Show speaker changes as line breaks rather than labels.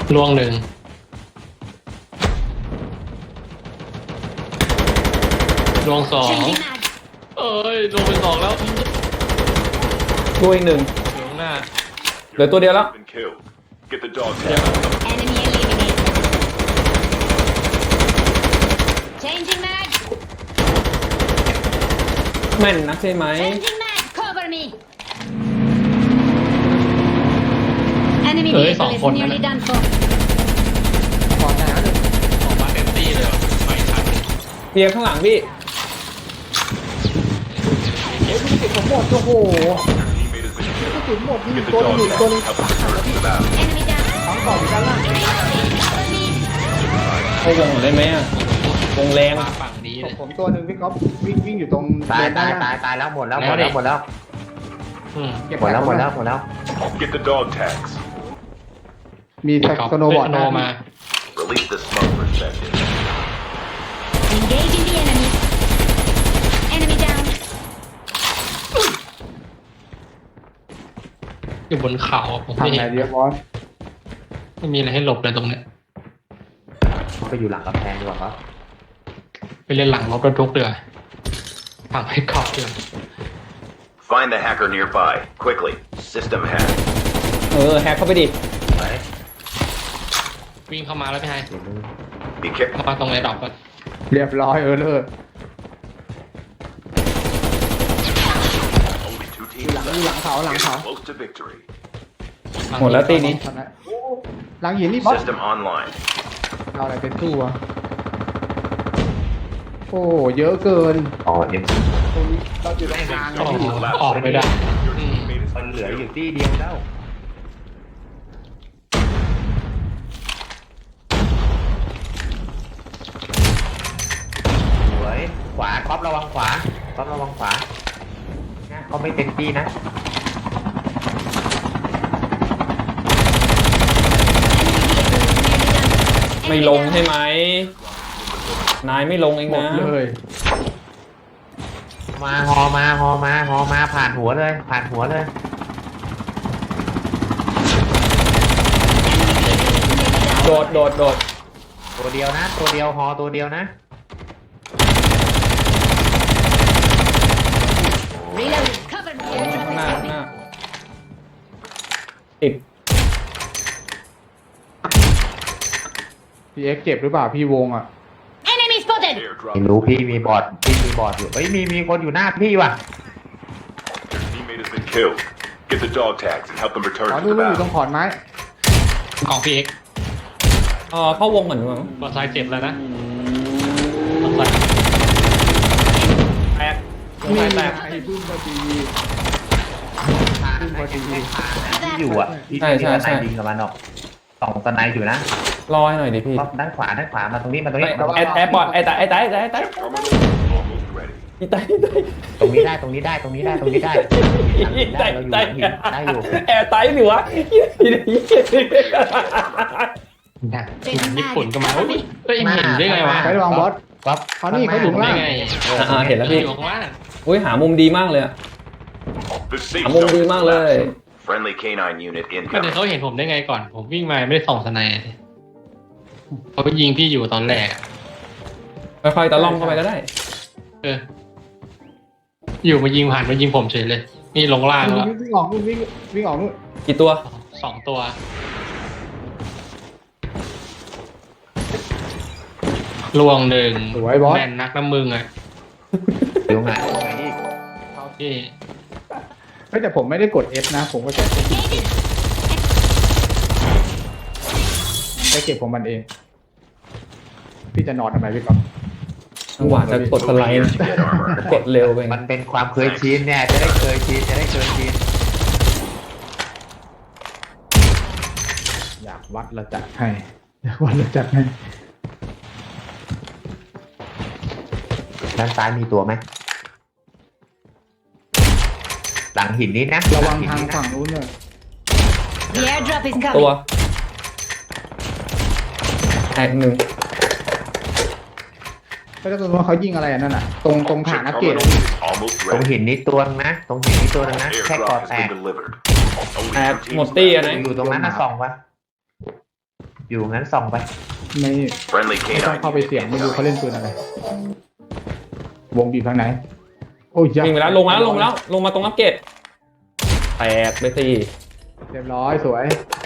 ล่วงหนึ่งล่วงสองเอ้ยลงไปสองแล้ว
ตัวอีกหนึ่ง
อยู่ข้างหน้า
เหลือตัวเดียวแล้ว
Been killed. Get the dog
เดี๋ยว
tag.
Enemy eliminated. Changing mag.
แม่นนักใช่ไหม
Changing mag. Cover me. Enemy
เอ้ย
vehicle
สอง
is
คนนั่น
nearly
น่ะ
done for.
ขอแต่ละหนึ่ง
ออกมาเต็มที่เลยว่ะไม่ทัน
เพียงข้างหลังพี่
เฮ้ยลูกติดผมหมดโอ้โห
Your teammate has been killed.
กระสุนหมดยิง
Get the
ตัวนึง
dog
อีกตัวนึง
tag. Help them return to the battle.
Enemy down.
ทั้งกล่องอีกด้านล่าง
Cover me.
เข้าวงหน่อยได้ไหมอะวงแรง
มาฝั่งนี้เลย
ผมตัวหนึ่งพี่ก๊อฟวิ่งอยู่ตรง
ตาย
เดิน
ตาย
หน้
ตายตายแล้วหมดแล้วหมด
แล้
แล้ว วหมดแล้ว
อืม
เก็บ
หมดแล้วหมดแล้วหมดแล้ว
Get the dog tags.
มี
ไปกอล์ฟ
สโนว์บอร์ด
สโนว์มา
Release the smugglers back in.
Engaging the enemy. Enemy down.
อยู่บนเขาอะผม
ทาง
ไม่
ไหน
เห็น
เดียวบอส
ไม่มีอะไรให้หลบเลยตรงเนี้ย
ไปอยู่หลังกำแพงดีกว่าครับ
ไปเล่นหลังรถบรรทุกเดือฝั่งให้ขอบเดือ
Find the hacker nearby. Quickly. System hack.
แฮกเข้าไปดิ
ไป
วิ่งเข้ามาแล้วพี่ไฮ
เดี๋ยวนึง
Be careful.
เข้ามาตรงไอ้ดอกก่อน
เรียบร้อยเลิก
Only two
อยู่
teams
หลัง
left.
อยู่หลังเขาหลัง
Getting
เขา
close to victory.
หมดแล้วตีนี้
ทำไมโอ้หลังหินนี่บอส
System online.
เราอะไรเป็นตู้อะโอ้เยอะเกิน
อ๋อเอ็ม
ตรงนี้เราอยู่ตรงกลาง
ออก
พี่
ออกไม่ได้
Your
อืม
teammate has
มัน
been
เหลืออยู่
killed.
ที่เดียวแล้วสวยขวาก๊อประวังขวาก๊อประวังขวานะเขาไม่เต็มที่นะ
Enemy vehicle is nearly done.
ไม่
Enemy
ลง
down.
ใช่ไหม นายไม่ลงเอง
หมด
นะ
เลย
มาฮอมาฮอมาฮอมาผ่านหัวเลย ผ่านหัวเลย
โดดโดดโดด
ตัวเดียวนะ ตัวเดียวฮอตัวเดียวนะ
Reload. Cover me.
ข้างหน้าข้างหน้าติด
พี่เอ็กซ์เจ็บหรือเปล่าพี่วงอ่ะ
Enemy spotted.
Airdrop.
ไม่รู้พี่มีบอร์ดพี่มีบอร์ดอยู่เฮ้ยมีคนอยู่หน้าพี่ว่ะ
Your teammate has been killed. Get the dog tags and help them
ขอ
return
ดู
to the
อยู่ตรง
battle.
ขอนไม้
ของพี่เอ็ก
เข้าวงก่อนดีกว่า
บอลซ้ายเจ็บแล้วนะบอลซ้าย
แตกวง
นี่
ซ้ายแตก
ไอ้พึ่งพอดี
ที่อยู่อ่ะที่
ใช่
ที่
ใช่
ส
ใช่
ไนยิงกับมันออกสองสไนอยู่นะ
รอให้หน่อยดิพี่
รอบด้านขวามาตรงนี้มาตรงนี้
ไอ้ปอดไอ้ตายไอ้ตายไอ้ตายไอ้ตาย
Terminal is almost ready.
ไอ้ตายไอ้ตาย
ตรงนี้ได้ตรงนี้ได้ตรงนี้ได้ตรงนี้ได้
ตาย
เราอยู่
ตาย
หินได้อยู่
แอร์ตายหรือวะ
Changing
ญี่ปุ่น
mag.
ก็มา
Cover me.
เฮ้ยเห็นได้ไงวะ
ใช้ระวังบอส
ก๊อฟ
เขานี่เขาอยู่ข้าง
ได้
ล่าง
ไง
เห็นแล้วพี่
อยู่ข้างล่าง
อุ้ยหามุมดีมากเลยอะ
The safe
หามุม
zone
ดี
is
มากเลย
collapsing. Friendly canine unit
ก็เดี๋ยว
incoming.
เขาเห็นผมได้ไงก่อน ผมวิ่งมาไม่ได้ส่องสไนด์เขาไปยิงพี่อยู่ตอนแรกอะ
ค่อยๆตะล่อมเข้าไปก็ได้
เออ อยู่มายิงผ่านมายิงผมเฉยเลย นี่ลงล่างแล้ว
วิ่งออกนู่นวิ่งออกนู่น
กี่ตัว
สองตัว ลวงหนึ่ง
สวยบอส
แม่นนักน้ำมึงอ่ะ
อยู่ไหนนี่
พี่
เฮ้ยแต่ผมไม่ได้กด F นะ ผมก็ใช้
Engaging.
ใช้เก็บของมันเอง พี่จะนอนทำไมพี่ก๊อฟ
จังหวะจะกดสไลด์นะ
Get armor.
กดเร็วไป
มันเป็นความเคยชินเนี่ยจะได้เคยชินจะได้เคยชิน
อยากวัดระจัดให้อยากวัดระจัดให้
ด้านซ้ายมีตัวไหมหลังหินนี้นะ
ระวัง
หลั
ทาง
หินนี้นะ
ฝั่งนู้นเลย
The airdrop is
ตัว
coming.
แตกหนึ่ง
แล้วก็ตรงนู้นเขายิงอะไรอันนั่นน่ะ ตรงฐาน
Chip
อากาศ
terminal is almost
ตรง
ready.
หินนี้ตัวนึงนะตรงหินนี้ตัวนึงนะแค่กอ
Airdrop
ด
has
แต
been
ก
delivered. Only
แตก
two
หมด
teams
ตี้อะ
left.
นะ
อยู่ตรงนั้นนะส่องวะอยู่งั้นส่องไป
ไม่
Friendly
ไม่ต้อง
canine
เข้าไป
unit
เสี่ยงไม่รู้เขาเล่นปืนอะไร วงบีบทางไหน โอ้ย
วิ่งไปแล้วลงมาตรงอัปเกรดแตกไปสิ
เรียบร้อยสวย